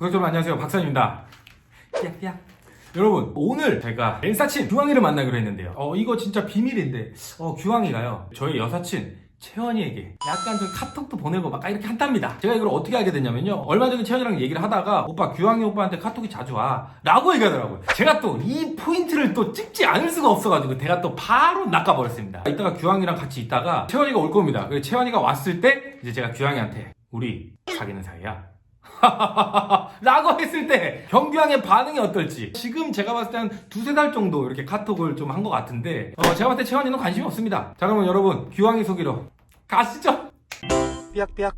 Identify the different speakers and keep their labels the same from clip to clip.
Speaker 1: 여러분 안녕하세요, 박사입니다. 야. 여러분, 오늘 제가 엔사친 규황이를 만나기로 했는데요. 이거 진짜 비밀인데 규황이가요, 저희 여사친 채원이에게 약간 좀 카톡도 보내고 막 이렇게 한답니다. 제가 이걸 어떻게 알게 됐냐면요, 얼마 전에 채원이랑 얘기를 하다가 오빠, 규황이 오빠한테 카톡이 자주 와 라고 얘기하더라고요. 제가 또 이 포인트를 또 찍지 않을 수가 없어가지고 제가 또 바로 낚아버렸습니다. 이따가 규황이랑 같이 있다가 채원이가 올 겁니다. 그래서 채원이가 왔을 때 이제 제가 규황이한테 우리 사귀는 사이야 라고 했을 때 경규왕의 반응이 어떨지. 지금 제가 봤을 때 한 두세 달 정도 이렇게 카톡을 좀 한 것 같은데 제가 봤을 때 채원이는 관심이 없습니다. 자, 그러면 여러분, 규왕이 속이러 가시죠.
Speaker 2: 삐약삐약.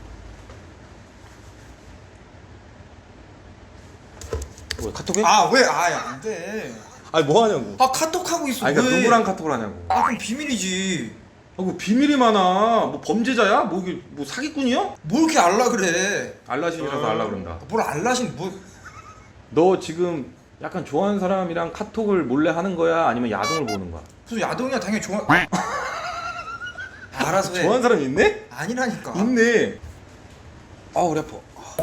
Speaker 3: 왜 카톡해?
Speaker 2: 아 왜? 아 야 안돼.
Speaker 3: 아니 뭐 하냐고.
Speaker 2: 아 카톡 하고 있어.
Speaker 3: 아니 그러니까
Speaker 2: 왜?
Speaker 3: 누구랑 카톡을 하냐고.
Speaker 2: 아 그럼 비밀이지.
Speaker 3: 아 뭐 비밀이 많아. 뭐 범죄자야? 뭐 이게 뭐 사기꾼이야?
Speaker 2: 뭘 이렇게 알라 그래?
Speaker 3: 알라신이라서 알라 그런다.
Speaker 2: 뭘 알라신 뭐?
Speaker 3: 너 지금 약간 좋아하는 사람이랑 카톡을 몰래 하는 거야? 아니면 야동을 보는 거야?
Speaker 2: 무슨 야동이야? 당연히 좋아. 알아서 해.
Speaker 3: 좋아하는 사람 있네?
Speaker 2: 아니라니까.
Speaker 3: 있네. 아 우리 아파.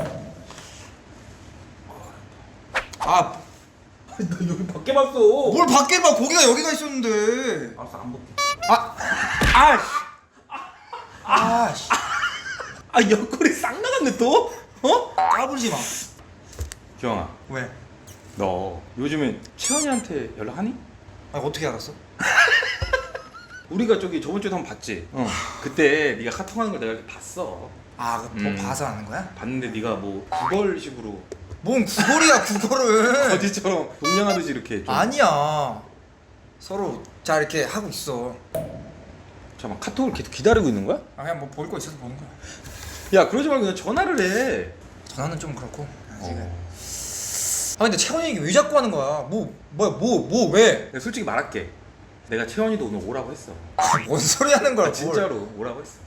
Speaker 2: 아
Speaker 3: 너 여기 밖에 봤어.
Speaker 2: 뭘 밖에 봐. 고기가 여기가 있었는데.
Speaker 3: 알았어, 안 볼게.
Speaker 2: 아씨.
Speaker 3: 아 옆구리 싹 나갔네 또?
Speaker 2: 까불지 마.
Speaker 3: 규영아,
Speaker 2: 왜?
Speaker 3: 너 요즘에 채원이한테 연락하니?
Speaker 2: 아 어떻게 알았어?
Speaker 3: 우리가 저기 저번 주에 한번 봤지? 그때 네가 카톡하는 걸 내가 이렇게 봤어.
Speaker 2: 뭐 봐서 아는 거야?
Speaker 3: 봤는데 네가 뭐 구걸식으로
Speaker 2: 뭔 구걸이야 구걸을.
Speaker 3: 거지처럼 동냥하듯이 이렇게 좀.
Speaker 2: 아니야. 서로 자 이렇게 하고 있어.
Speaker 3: 잠깐만, 카톡을 계속 기다리고 있는 거야?
Speaker 2: 아 그냥 뭐 볼 거 있어서 보는 거야.
Speaker 3: 야 그러지 말고 그냥 전화를 해.
Speaker 2: 전화는 좀 그렇고. 아 근데 채원이 얘기 왜 자꾸 하는 거야? 뭐 왜?
Speaker 3: 내가 솔직히 말할게. 내가 채원이도 오늘 오라고 했어.
Speaker 2: 뭔 소리 하는 거야?
Speaker 3: 아, 진짜로 오라고 했어.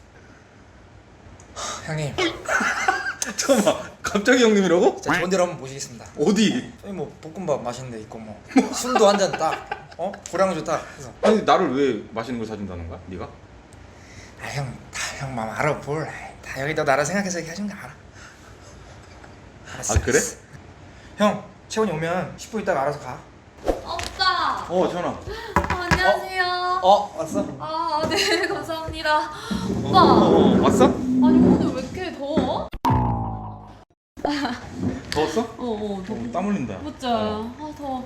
Speaker 2: 형님,
Speaker 3: 잠깐만, 갑자기 형님이라고?
Speaker 2: 자 좋은 데로 한번 모시겠습니다.
Speaker 3: 어디?
Speaker 2: 여기 뭐 볶음밥 맛있는 데 있고 뭐 술도 한 잔 딱, 고량주 딱 해서.
Speaker 3: 아니 나를 왜 맛있는 걸 사준다는 거야? 네가?
Speaker 2: 아 형 마음 알아 뭘? 다 여기 너 나라 생각해서 이렇게 해준 거 알아. 알았어.
Speaker 3: 아 그래?
Speaker 2: 알았어. 형 채원이 오면 10분 있다가 알아서 가.
Speaker 4: 오빠!
Speaker 3: 전화.
Speaker 4: 안녕하세요.
Speaker 2: 왔어?
Speaker 4: 아, 네, 감사합니다. 오빠!
Speaker 3: 왔어?
Speaker 4: 아니, 오늘 왜 이렇게 더워?
Speaker 3: 더웠어?
Speaker 4: 더워.
Speaker 3: 땀 흘린다.
Speaker 4: 맞죠? 아, 더워.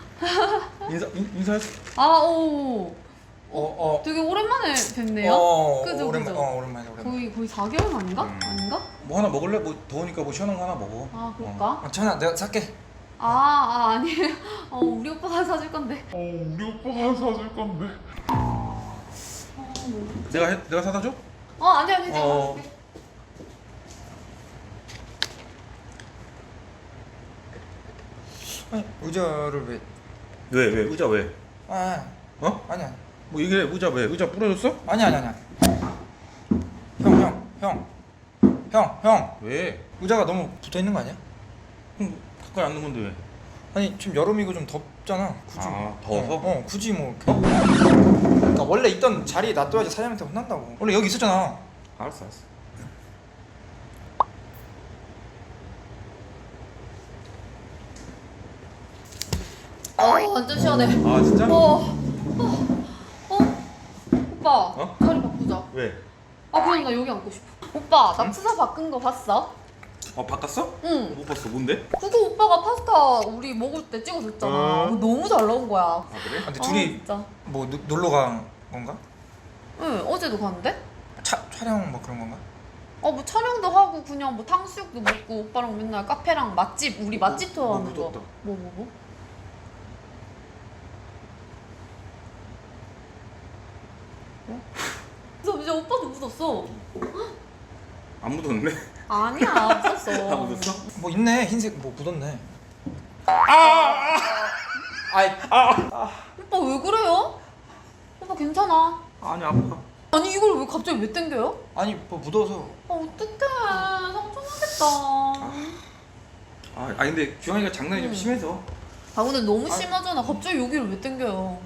Speaker 3: 인사했어?
Speaker 4: 아, 오.
Speaker 2: 되게
Speaker 4: 되게 오랜만에 뵙네요. 그죠,
Speaker 2: 오랜만에
Speaker 4: 그죠?
Speaker 2: 오랜만에.
Speaker 4: 거의 4개월 만인가? 아닌가?
Speaker 3: 뭐 하나 먹을래? 뭐 더우니까 뭐 시원한 거 하나 먹어.
Speaker 4: 아, 그럴까?
Speaker 2: 채원아 내가 살게.
Speaker 4: 아니에요. 우리 오빠가 사줄 건데.
Speaker 3: 내가 사다 줘?
Speaker 4: 아니, 제가
Speaker 3: 어.
Speaker 4: 사줄게.
Speaker 2: 아니 의자를 왜?
Speaker 3: 왜 의자 왜?
Speaker 2: 아니야.
Speaker 3: 뭐 이게 의자 왜? 의자 부러졌어?
Speaker 2: 아니야. 형.
Speaker 3: 왜?
Speaker 2: 의자가 너무 붙어 있는 거 아니야?
Speaker 3: 가까이 앉는 건데 왜?
Speaker 2: 아니 지금 여름이고 좀 덥잖아. 굳이.
Speaker 3: 더워서?
Speaker 2: 굳이 뭐. 그러니까 원래 있던 자리에 놔둬야지 사장님한테 혼난다고. 원래 여기 있었잖아.
Speaker 3: 알았어.
Speaker 4: 완전 시원해.
Speaker 3: 아 진짜?
Speaker 4: 오빠, 자리 바꾸자.
Speaker 3: 왜?
Speaker 4: 그냥 나 여기 앉고 싶어. 오빠, 나 프사 바꾼 거 봤어?
Speaker 3: 바꿨어?
Speaker 4: 응.
Speaker 3: 못 봤어. 뭔데?
Speaker 4: 그거 오빠가 파스타 우리 먹을 때 찍어줬잖아. 그거 너무 잘 나온 거야.
Speaker 3: 아 그래?
Speaker 2: 근데 둘이
Speaker 4: 진짜.
Speaker 2: 뭐 놀러 간 건가?
Speaker 4: 응, 어제도 갔는데?
Speaker 2: 촬영 뭐 그런 건가?
Speaker 4: 뭐 촬영도 하고 그냥 뭐 탕수육도 먹고 오빠랑 맨날 카페랑 맛집, 우리 맛집 투어 하는 거.
Speaker 3: 묻었다.
Speaker 4: 뭐? 그래서 이제 오빠도 묻었어.
Speaker 3: 안 묻었네.
Speaker 4: 아니야, 묻었어.
Speaker 3: 다 묻었어?
Speaker 2: 뭐 있네. 흰색 뭐 묻었네.
Speaker 4: 오빠 왜 그래요? 오빠 괜찮아.
Speaker 3: 아니 아파.
Speaker 4: 아니 이걸 왜 갑자기 왜 땡겨요?
Speaker 2: 아니 뭐 묻어서.
Speaker 4: 어떡해, 상처나겠다.
Speaker 3: 아니 근데 규영이가 장난이 좀 심해서.
Speaker 4: 근데 너무 심하잖아. 갑자기 여기를 왜 땡겨요?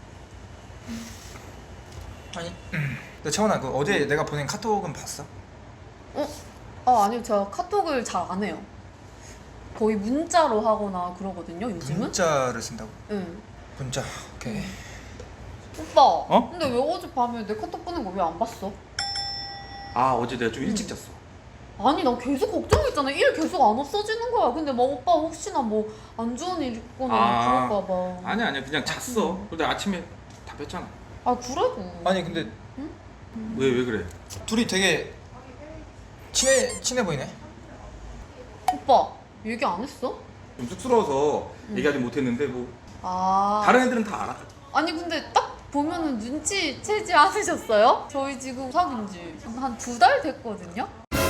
Speaker 2: 아니. 근데 채원아 그 어제 내가 보낸 카톡은 봤어?
Speaker 4: 아니요, 제가 카톡을 잘 안 해요. 거의 문자로 하거나 그러거든요 요즘은.
Speaker 2: 문자를 쓴다고?
Speaker 4: 응.
Speaker 2: 문자. 오케이.
Speaker 4: 오빠.
Speaker 3: 어?
Speaker 4: 근데 왜 어젯밤에 내 카톡 보낸 거 왜 안 봤어?
Speaker 3: 아 어제 내가 좀 일찍 잤어.
Speaker 4: 아니 나 계속 걱정했잖아. 일 계속 안 없어지는 거야. 근데 뭐 오빠 혹시나 뭐 안 좋은 일 있거나 그럴까 봐.
Speaker 3: 아니야 그냥 잤어. 근데 아침에 다 뺐잖아.
Speaker 4: 아 그래도.
Speaker 2: 아니 근데
Speaker 3: 왜 그래?
Speaker 2: 둘이 되게 친해 보이네.
Speaker 4: 오빠 얘기 안 했어?
Speaker 3: 좀 쑥스러워서 얘기하지 못했는데 뭐
Speaker 4: 아.
Speaker 3: 다른 애들은 다 알아.
Speaker 4: 아니 근데 딱 보면은 눈치채지 않으셨어요? 저희 지금 사귄 지 한 2달 됐거든요?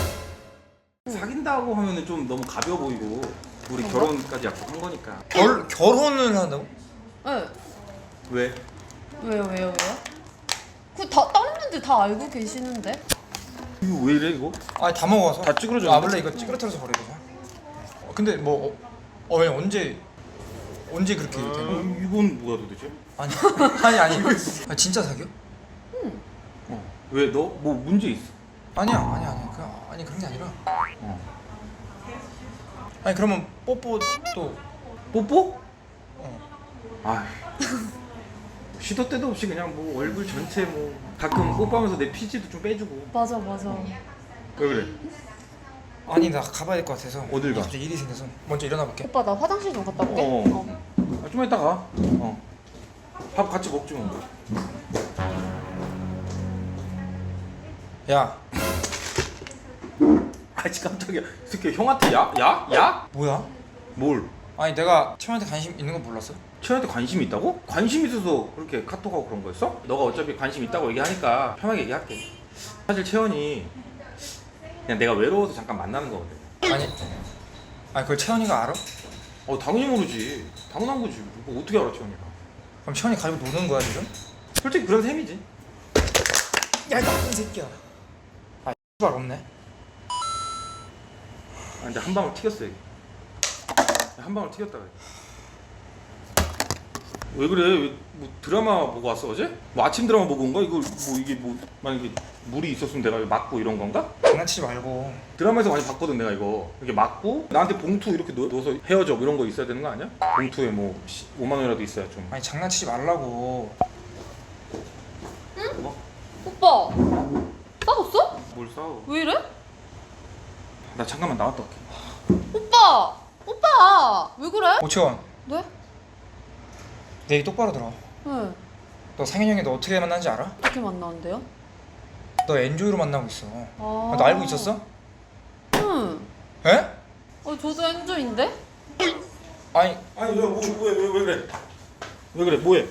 Speaker 3: 사귄다고 하면은 좀 너무 가벼워 보이고 우리
Speaker 4: 그런가?
Speaker 3: 결혼까지 약속한 거니까.
Speaker 2: 결혼을 한다고?
Speaker 4: 네.
Speaker 3: 왜?
Speaker 4: 왜요? 다른 분들 다 알고 계시는데?
Speaker 3: 이거 왜 이래 이거?
Speaker 2: 아니 다 먹어서.
Speaker 3: 다 찌그러져
Speaker 2: 아
Speaker 3: 있는데?
Speaker 2: 원래 이거 찌그러뜨려서 버려야 되죠. 근데 뭐 왜 언제 그렇게 되는 거야?
Speaker 3: 이건 뭐야 도대체?
Speaker 2: 아니 진짜 사겨?
Speaker 3: 왜 너 뭐 문제 있어?
Speaker 2: 아니야 그런 게 아니라. 아니 그러면 뽀뽀도
Speaker 3: 뽀뽀?
Speaker 2: 어.
Speaker 3: 아 시도 때도 없이 그냥 뭐 얼굴 전체 뭐 가끔 뽀뽀하면서 내 피지도 좀 빼주고.
Speaker 4: 맞아.
Speaker 3: 왜 그래?
Speaker 2: 아니 나 가봐야 될 것 같아서.
Speaker 3: 어딜 가?
Speaker 2: 갑자기 일이 생겨서 먼저 일어나 볼게.
Speaker 4: 오빠 나 화장실 좀 갔다 올게.
Speaker 3: 좀만 이따 가. 밥 같이 먹지 뭐.
Speaker 2: 야
Speaker 3: 아씨 깜짝이야. 이 새끼 형한테 야?
Speaker 2: 뭐야?
Speaker 3: 뭘?
Speaker 2: 아니 내가 채원한테 관심 있는 건 몰랐어?
Speaker 3: 채연한테 관심이 있다고? 관심 있어서 그렇게 카톡하고 그런 거였어? 너가 어차피 관심 있다고 얘기하니까 편하게 얘기할게. 사실 채연이 그냥 내가 외로워서 잠깐 만나는 거거든.
Speaker 2: 아니 그걸 채원이가 알아?
Speaker 3: 당연히 모르지. 당연한 거지. 뭐 어떻게 알아 채연이가?
Speaker 2: 그럼 채원이 가지고 노는 거야 지금?
Speaker 3: 솔직히 그런 셈이지.
Speaker 2: 야 나쁜 새끼야. 아 X발 없네.
Speaker 3: 근데 한 방울 튀겼어 여기. 한 방울 튀겼다 그래. 왜 그래? 뭐 드라마 보고 왔어 어제? 뭐 아침 드라마 보고 온 거야? 이거 뭐 이게 뭐 만약에 물이 있었으면 내가 맞고 이런 건가?
Speaker 2: 장난치지 말고.
Speaker 3: 드라마에서 많이 봤거든 내가 이거. 이렇게 맞고 나한테 봉투 이렇게 넣어서 헤어져 뭐 이런 거 있어야 되는 거 아니야? 봉투에 뭐 5만 원이라도 있어야 좀.
Speaker 2: 아니 장난치지 말라고.
Speaker 3: 뭐?
Speaker 4: 오빠 싸웠어?
Speaker 3: 뭘 싸워?
Speaker 4: 왜 이래?
Speaker 3: 나 잠깐만 나갔다 올게.
Speaker 4: 오빠 왜 그래?
Speaker 2: 오채원
Speaker 4: 네?
Speaker 2: 내 얘기 똑바로 들어.
Speaker 4: 네.
Speaker 2: 너 상현 형이 너 어떻게 만난지 알아?
Speaker 4: 어떻게 만나는데요?
Speaker 2: 너 엔조이로 만나고 있어.
Speaker 4: 아.
Speaker 2: 너 알고 있었어?
Speaker 4: 응.
Speaker 2: 에?
Speaker 4: 저도 엔조인데?
Speaker 2: 아니
Speaker 3: 아니 왜 그래? 왜 그래? 뭐해?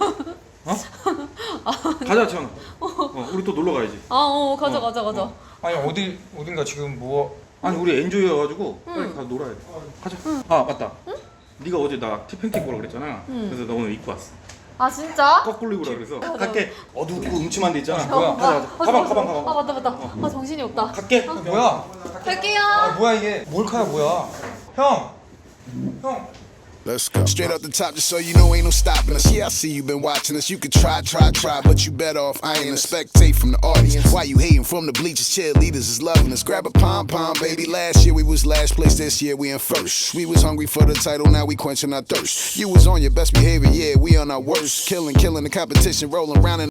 Speaker 3: 가자 채원아. 우리 또 놀러 가야지.
Speaker 4: 가자.
Speaker 2: 아니 어딘가 지금 뭐.
Speaker 3: 아니 우리 엔조이여가지고 빨리 가서 놀아야 돼. 가자. 아 맞다. 네가 어제 나 티팬케이크 보라 그랬잖아. 그래서 나 오늘 입고 왔어.
Speaker 4: 아 진짜?
Speaker 3: 거꾸로 입으라 그래서. 갈게. 어둡고 음침한 데 있잖아.
Speaker 2: 뭐야?
Speaker 3: 가자. 가방.
Speaker 4: 아 맞다. 아 정신이 없다.
Speaker 3: 갈게.
Speaker 2: 뭐야?
Speaker 4: 갈게요.
Speaker 2: 아 뭐야 이게? 몰카야 뭐야? 형.
Speaker 5: Let's go. Straight up the top, just so you know ain't no stopping us. Yeah, I see you been watching us. You could try, but you better off. I ain't a spectate from the audience. Why you hating from the bleachers? Cheerleaders is loving us. Grab a pom, baby. Last year we was last place. This year we in first. We was hungry for the title, now we quenching our thirst. You was on your best behavior, yeah, we on our worst. Killing the competition, rolling around in